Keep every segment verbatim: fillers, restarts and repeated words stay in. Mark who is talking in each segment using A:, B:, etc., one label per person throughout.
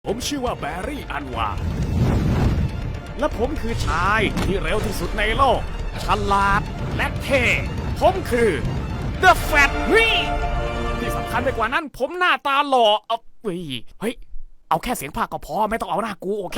A: ผมชื่อว่าแบร์รี่อันวา และผมคือชายที่เร็วที่สุดในโลก ฉลาดและเท่ ผมคือ The Fat เฮ้ยที่สำคัญไปกว่านั้นผมหน้าตาหล่อเอาเฮ้ยเฮ้ย เอาแค่เสียงภาคก็พอไม่ต้องเอาหน้ากูโอเค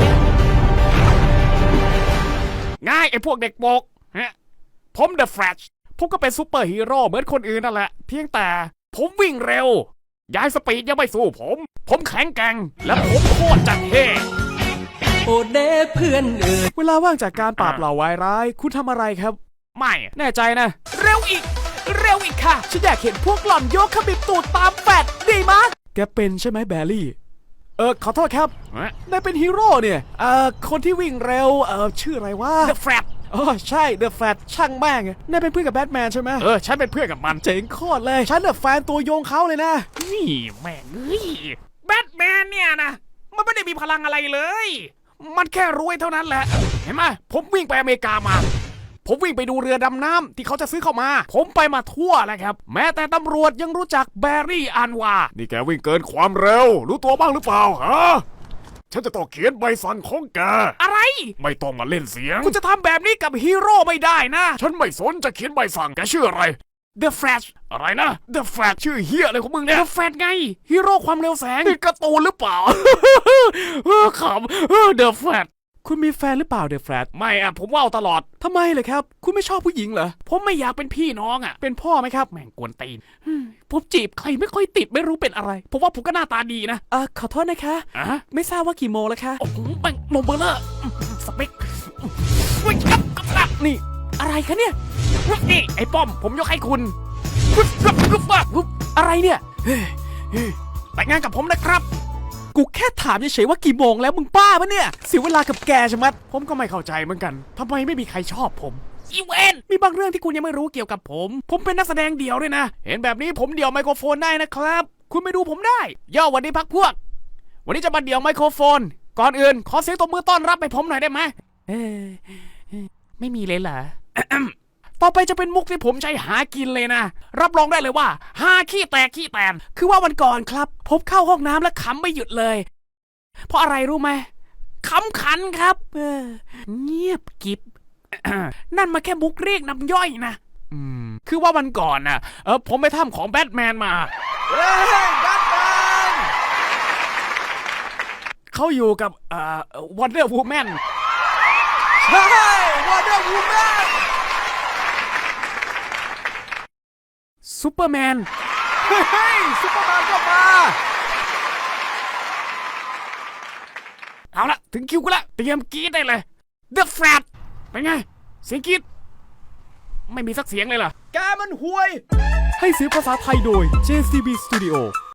A: ง่ายไอ้พวกเด็กโปกฮะผม The Flash ผมก็เป็นซูเปอร์ฮีโร่เหมือนคนอื่นนั่นแหละ เพียงแต่ผมวิ่งเร็ว ย้ายสปีดยังไม่สู้ผม ผมแข็งแกร่งและผมโคตรจัดเท่
B: โอเดเพื่อนเอ่ย
C: เวลาว่างจากการปราบเหล่าวายร้ายคุณทำอะไรครับ
A: ไม่แน่ใจนะ
C: เร็วอีก เร็วอีกค่ะ ฉันอยากเห็นพวกหล่อนโยกขมิบตูดตามแฟดดีมากแกเป็นใช่ไหมแบร์รี่ เออขอโทษครับนายเป็นฮีโร่เนี่ยเอ่อคนที่วิ่งเร็วเออชื่ออะไรวะ
A: The Flash
C: อ๋อใช่ The Flash ช่างแม่งนายเป็นเพื่อนกับแบทแมนใช่ไหม
A: เออฉันเป็นเพื่อนกับมัน
C: เจ๋งโคตรเลยฉันเน่ะแฟนตัวยงเขาเลยนะ
A: นี่แม่งเอ้ยแบทแมนเนี่ยนะมันไม่ได้มีพลังอะไรเลย มันแค่รวยเท่านั้นแหละ เห็นไหมผมวิ่งไปอเมริกามา ผมวิ่งไปดูเรือดำน้ำที่เขาจะซื้อเข้ามา ผมไปมาทั่วแล้วครับ แม้แต่ตำรวจยังรู้จักแบร์รี่อันวา นี่แกวิ่งเกินความเร็ว รู้ตัวบ้างหรือเปล่าฮะฉันจะต้องเขียนใบสั่งของแกอะไรไม่ต้องมาเล่นเสียงคุณจะทำแบบนี้กับฮีโร่ไม่ได้นะ ฉันไม่สนจะเขียนใบสั่งแกชื่ออะไร The Flash อะไรนะ The Flash ชื่อเฮียอะไรของมึงเนี่ย The Flash ไงฮีโร่ความเร็วแสงนี่การ์ตูนหรือเปล่า เออขำเออ The Flash
C: คุณมีแฟนหรือเปล่าเดอะแฟลช
A: ไม่อะผมว่าวตลอด
C: ทำไมเลยครับ คุณไม่ชอบผู้หญิงเหรอ
A: ผมไม่อยากเป็นพี่น้องอะเป็นพ่อไหมครับแม่งกวนตีนผมจีบใครไม่ค่อยติดไม่รู้เป็นอะไร ผมว่าผมก็หน้าตาดีนะ
C: เออขอโทษนะคะ
A: อะ
C: ไม่ทราบว่ากี่โมงแล้วคะ
A: โอ้โหแม่งนมเบอร์เลอร์สเปคเฮ้ยครับครับ
C: นี่อะไรคะเนี่ย
A: นี่ไอ้ป้อมผมยกให้คุณกึ๊บกึ๊บกึ๊บกึ๊บ
C: อะไรเนี่ย
A: แต่งงานกับผมนะครับ
C: กูแค่ถามเฉยๆว่ากี่โมงแล้วมึงบ้าปะเนี่ยเสียเวลากับแกใช่ไหมย
A: ผมก็ไม่เข้าใจเหมือนกันทำไมไม่มีใครชอบผมอีเวน มีบางเรื่องที่คุณยังไม่รู้เกี่ยวกับผม ผมเป็นนักแสดงเดี่ยวด้วยนะ เห็นแบบนี้ผมเดี่ยวไมโครโฟนได้นะครับ คุณไปดูผมได้ ย่อวันนี้พักพวก วันนี้จะมาเดี่ยวไมโครโฟน ก่อนอื่นขอเสียงตบมือต้อนรับให้ผมหน่อยได้ไหมเออไม่มีเลยเหรอ ต่อไปจะเป็นมุกที่ผมใช้หากินเลยนะ รับรองได้เลยว่าหาขี้แตกขี้แตน คือว่าวันก่อนครับ ผมเข้าห้องน้ำแล้วขำไม่หยุดเลย เพราะอะไรรู้ไหมขำขันครับเออเงียบกิบ นั่นมาแค่มุกเรียกน้ำย่อยนะอืมคือว่าวันก่อนน่ะเออผมไปถ้ำของแบทแมนมา
C: เฮ้ยแบทแมน
A: เขาอยู่กับเอ่อวันเดอร์วูแมน
C: ใช่วอเดอร์วูแมน
A: ซูเปอร์แมน
C: เฮ้ยซุปเปอร์แมนก็มา
A: เอาละถึงคิวกูละเตรียมกรีดได้เลย The Flash เป็นไง เสียงกรีดไม่มีสักเสียงเลยเหรอ
C: แกมันห่วย ให้เสียงภาษาไทยโดย เจ ซี บี Studio